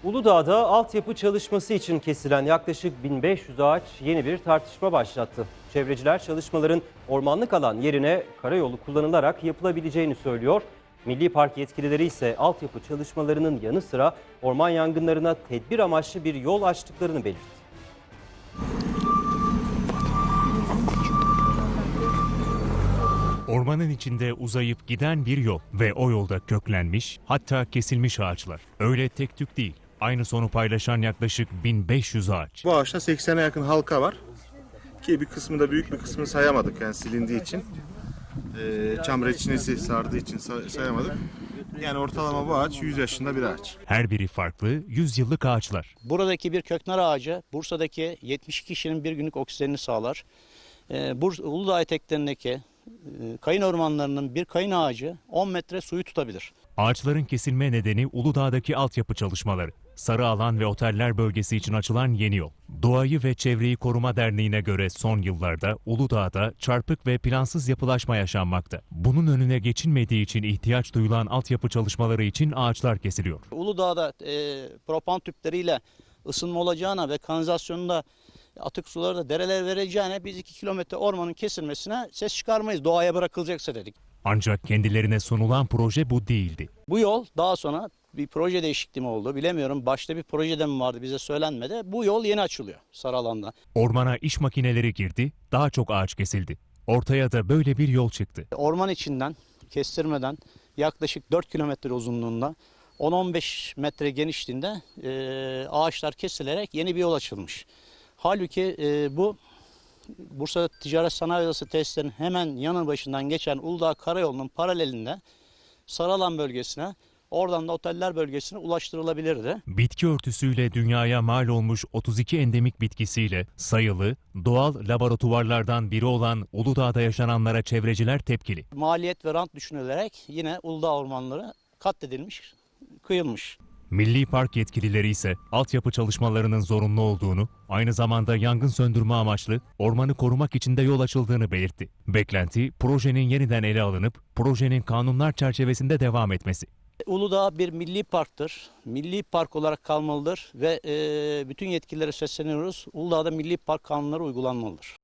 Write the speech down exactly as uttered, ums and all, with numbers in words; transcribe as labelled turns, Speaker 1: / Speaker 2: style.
Speaker 1: Uludağ'da altyapı çalışması için kesilen yaklaşık bin beş yüz ağaç yeni bir tartışma başlattı. Çevreciler çalışmaların ormanlık alan yerine karayolu kullanılarak yapılabileceğini söylüyor. Milli Park yetkilileri ise altyapı çalışmalarının yanı sıra orman yangınlarına tedbir amaçlı bir yol açtıklarını belirtti.
Speaker 2: Ormanın içinde uzayıp giden bir yol ve o yolda köklenmiş, hatta kesilmiş ağaçlar. Öyle tek tük değil. Aynı sonu paylaşan yaklaşık bin beş yüz ağaç.
Speaker 3: Bu ağaçta seksene yakın halka var. Ki bir kısmı da büyük bir kısmını sayamadık yani silindiği için. Ee, çam reçinesi sardığı için say- sayamadık. Yani ortalama bu ağaç yüz yaşında bir ağaç.
Speaker 2: Her biri farklı, yüz yıllık ağaçlar.
Speaker 4: Buradaki bir köknar ağacı Bursa'daki yetmiş iki kişinin bir günlük oksijenini sağlar. Ee, Bursa, Uludağ eteklerindeki e, kayın ormanlarının bir kayın ağacı on metre suyu tutabilir.
Speaker 2: Ağaçların kesilme nedeni Uludağ'daki altyapı çalışmaları. Sarı Alan ve Oteller bölgesi için açılan yeni yol. Doğayı ve Çevreyi Koruma Derneği'ne göre son yıllarda Uludağ'da çarpık ve plansız yapılaşma yaşanmakta. Bunun önüne geçilmediği için ihtiyaç duyulan altyapı çalışmaları için ağaçlar kesiliyor.
Speaker 4: Uludağ'da e, propan tüpleriyle ısınma olacağına ve kanalizasyonunda atık suları da derelere vereceğine biz iki kilometre ormanın kesilmesine ses çıkarmayız. Doğaya bırakılacaksa dedik.
Speaker 2: Ancak kendilerine sunulan proje bu değildi.
Speaker 4: Bu yol daha sonra bir proje değişikliği mi oldu bilemiyorum. Başta bir projede mi vardı bize söylenmedi. Bu yol yeni açılıyor sarı alanda.
Speaker 2: Ormana iş makineleri girdi, daha çok ağaç kesildi. Ortaya da böyle bir yol çıktı.
Speaker 4: Orman içinden kestirmeden yaklaşık dört kilometre uzunluğunda on on beş metre genişliğinde e, ağaçlar kesilerek yeni bir yol açılmış. Halbuki e, bu Bursa Ticaret Sanayi Odası tesislerinin hemen yanı başından geçen Uludağ Karayolu'nun paralelinde Sarıalan bölgesine, oradan da Oteller bölgesine ulaştırılabilirdi.
Speaker 2: Bitki örtüsüyle dünyaya mal olmuş otuz iki endemik bitkisiyle sayılı, doğal laboratuvarlardan biri olan Uludağ'da yaşananlara çevreciler tepkili.
Speaker 4: Maliyet ve rant düşünülerek yine Uludağ ormanları katledilmiş, kıyılmış.
Speaker 2: Milli Park yetkilileri ise altyapı çalışmalarının zorunlu olduğunu, aynı zamanda yangın söndürme amaçlı ormanı korumak için de yol açıldığını belirtti. Beklenti, projenin yeniden ele alınıp projenin kanunlar çerçevesinde devam etmesi.
Speaker 4: Uludağ bir milli parktır. Milli park olarak kalmalıdır ve e, bütün yetkililere sesleniyoruz. Uludağ'da milli park kanunları uygulanmalıdır.